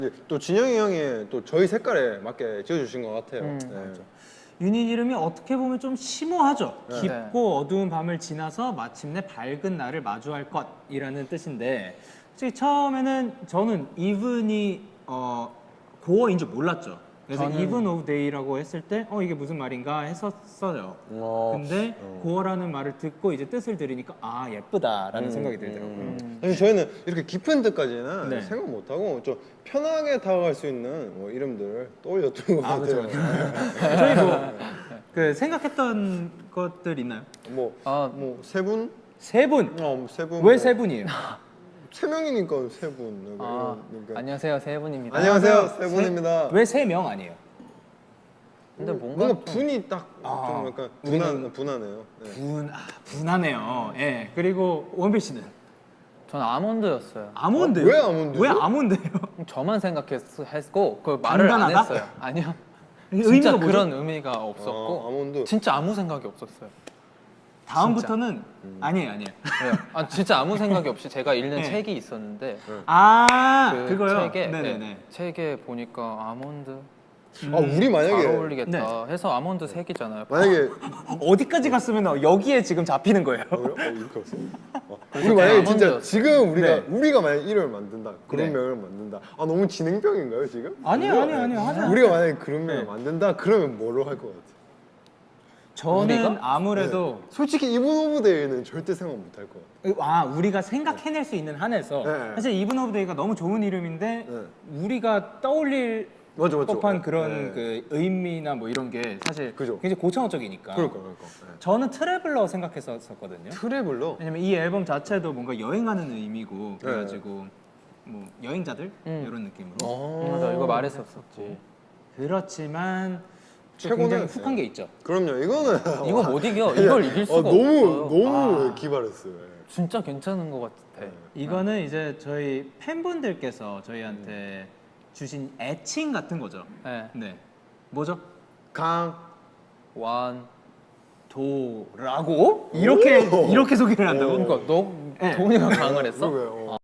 또 진영이 형이 또 저희 색깔에 맞게 지어주신 것 같아요. 네. 유닛 이름이 어떻게 보면 좀 심오하죠. 네. 깊고 어두운 밤을 지나서 마침내 밝은 날을 마주할 것이라는 뜻인데, 솔직히 처음에는 저는 이븐이 고어인 줄 몰랐죠. 그래서 Even of Day라고 했을 때 이게 무슨 말인가 했었어요. 근데 고어라는 말을 듣고 이제 뜻을 들으니까 아 예쁘다라는 생각이 들더라고요. 사실 저희는 이렇게 깊은 뜻까지는 네. 생각 못하고 좀 편하게 다가갈 수 있는 뭐 이름들 떠올렸던 것 같아요. 저희 그 생각했던 것들 있나요? 세 분? 세 분. 세 분. 왜 세 분이에요? 세 명이니까 세 분. 안녕하세요, 세븐입니다. 안녕하세요, 세 분입니다. 왜 세 명 아니에요? 근데 뭔가 뭔가 분이 딱 좀 약간 분하네요. 네. 분하네요. 예. 그리고 원필 씨는 전 아몬드였어요. 아몬드. 왜 아몬드죠? 왜 아몬드예요? 저만 생각했고 그 말을 간단하다? 안 했어요. 아니요. 의미가 진짜 뭐죠? 그런 의미가 없었고 아몬드. 진짜 아무 생각이 없었어요. 다음부터는 아니에요. 네. 진짜 아무 생각이 없이 제가 읽는 네. 책이 있었는데 그거요. 책에 네네네. 책에 보니까 아몬드 우리 만약에 잘 어울리겠다 해서 아몬드 색이잖아요. 만약에 어디까지 갔으면 여기에 지금 잡히는 거예요. 이렇게 왔어. 우리 만약에 진짜 아몬드였어요. 지금 네. 우리가 만약 이름을 만든다, 그런 네. 명을 만든다. 너무 진행병인가요 지금? 아니요. 하지 우리가 만약에 그런 명을 네. 만든다, 그러면 뭐로 할 것 같아? 저는 우리가? 아무래도 솔직히 이분 오브 데이는 절대 생각 못 할 것 같아. 우리가 생각해낼 수 있는 한에서 네. 사실 이븐 오브 데이가 너무 좋은 이름인데 우리가 떠올릴 맞아. 법한 그런 네. 그 의미나 뭐 이런 게 사실 그죠. 굉장히 고차원적이니까. 그러니까. 저는 트래블러 생각했었거든요. 트래블러. 왜냐면 이 앨범 자체도 뭔가 여행하는 의미고 그래가지고 뭐 여행자들 이런 느낌으로. 맞아, 이거 말했었었지. 그렇지만 또 최고는- 굉장히 훅한 게 있죠. 그럼요. 이거는 이거 못 이겨. 이걸 이길 수가 없어요. 너무 기발했어요. 진짜 괜찮은 것 같아. 이거는 이제 저희 팬분들께서 저희한테 주신 애칭 같은 거죠. 네. 네. 뭐죠? 완. 도라고? 이렇게 소개를 한다고? 그러니까 너 네. 도훈이가 강을 했어? 그러게요.